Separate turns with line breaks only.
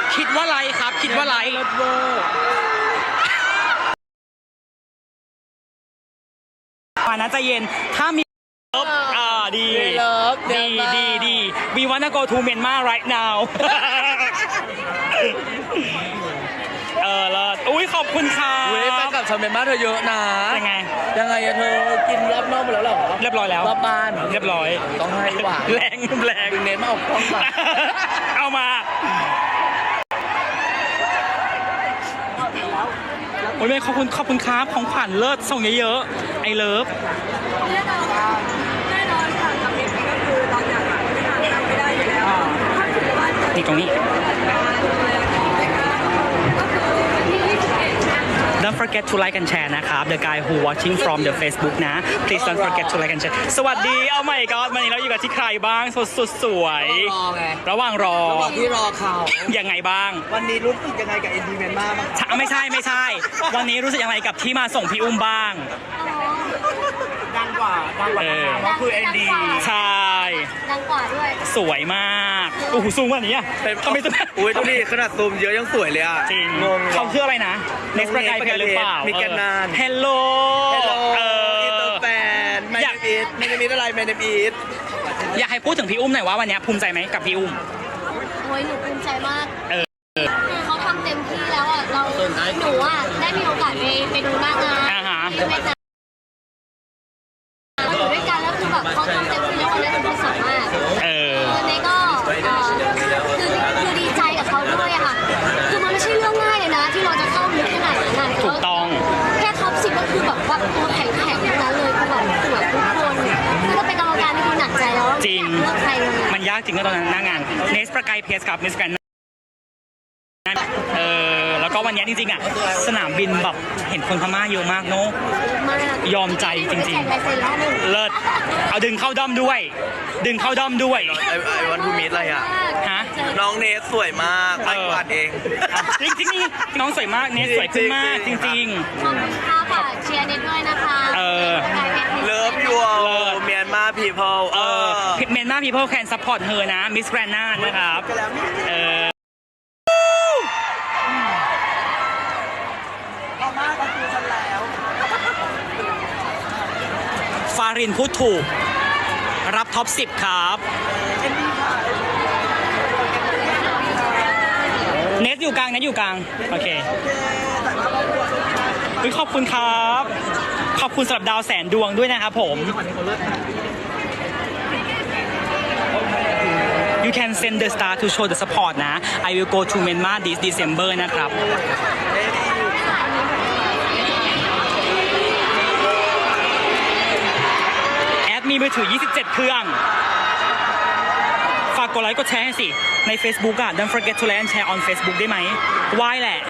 คิดว่าไรครับคิดว่าไรมานะใจเย็นถ้ามีดีดี we wanna go to Myanmar right now แล้วอุ้ยขอบคุณค่ะ
เว้ยแฟนกับชาวเมียนมาเธอเยอะนะ
ยังไง
อะเธอกินรอบนอกหมดแล้วหรอ
เรียบร้อยแล้ว
รอบบ้าน
เรียบร้อย
ต้องให้หวาน
แรง
เน้นมาออกกล้องมา
เอามาโอ้ยแม่ขอบคุณครับของขวัญเลิศส่งเยอะๆไอเลิฟ
แน่นอนค่ะกับเด็กก็คือเราอยากทำไม่ได้อยู่แล้วถ้าถือว่า
นี่ตรงนี้ Don't forget to like and share นะครับ The guy who watching from the Facebook นะ Please don't forget to like and share สวัสดีเอาใหม่ก็วันนี้เราอยู่กับที่ใครบ้างสุดสวยระหว่างรอ
ที่รอเขา
ยังไงบ้าง
วันนี้รู้สึกยังไงกับเอ็นดีเมียนมาบ้าง
ไม่ใช่วันนี้รู้สึกยังไงกับที่มาส่งพี่อุ้มบ้าง
ดังกว่าก็คือเอ็นดี
ใช่
ดังกว่าด้วย
สวยมากโอ้โหซูมวันนี้อ่ะ
ทำไมจะอุ้ยดูดิขนาดซูมเยอะยังสวยเลยอ่ะ
จริงงงเขาชื่ออะไรนะ Next ประกายเพชรหรือเปล่า
มีแกนนาน
Hello
อินเตอร์แฟนแมนเนมิดอะไรแมนเนมิด
อยากให้พูดถึงพี่อุ้มหน่อยว่าวันนี้ภูมิใจไหมกับพี่อุ้ม
โอ้ยหนูภูมิใจมากคือเขาทำเต็มที่แล้วอ่ะหนูอ่ะได้มีโอกาสไปดูหน้างานที่เวียดนามอยู่ด้วยกันแล้วคือแบบเขาทำเต็มที่แล้ววันนี้หนูรู้สึกมากวันนี้ก็คือดีใจกับเขาด้วยอะค่ะคือมันไม่ใช่เรื่องง่ายเลยนะที่เราจะเข้าลึกขนาดนั้น
ถูกต้อง
แค่ท็อป10ก็คือแบบว่าตัวแข็งทั้งนั้นเลยคือแบบสวยทุกคนคือถ้าเป็นกรรมการนี่คือหนักใจแล้ว
จริง
เลือกใคร
มันยากจริงก็ตอนนั้นหน้างานเนสประกายเพชรกับมิสแกรนแล้วก็วันนี้จริงๆอ่ะสนามบินแบบเห็นคนพม่าเยอะมากเนาะยอมใจจริงๆเลิศเอาดึงเข้าด้อมด้วยไ
อวันทูมิดอะไรอ่ะ
ฮะ
น้องเนสสวยมากไอ้กวาดเอง
จริงๆนี่น้องสวยมากเนสสวยขึ้นมากจริง
ๆขอบคุณค่ะฝากเชียร์เนสด้วยนะคะ
เลิฟยูเมียนมาพีเพิล
เมียนมาพีเพิลแคนซัพพอร์ตเธอนะมิสแกรนนานะครับฟารินพูดถูกรับท็อป 10 ครับเนสอยู่กลางโอเคขอบคุณครับขอบคุณสำหรับดาวแสนดวงด้วยนะครับผม You can send the star to show the support นะ I will go to Myanmar this December นะครับมีมือถือ27 เครื่องฝากกดไลค์กดแชร์ให้สิใน Facebook อ่ะ Don't forget to like and share on Facebook ได้ไหมไหว้แหละ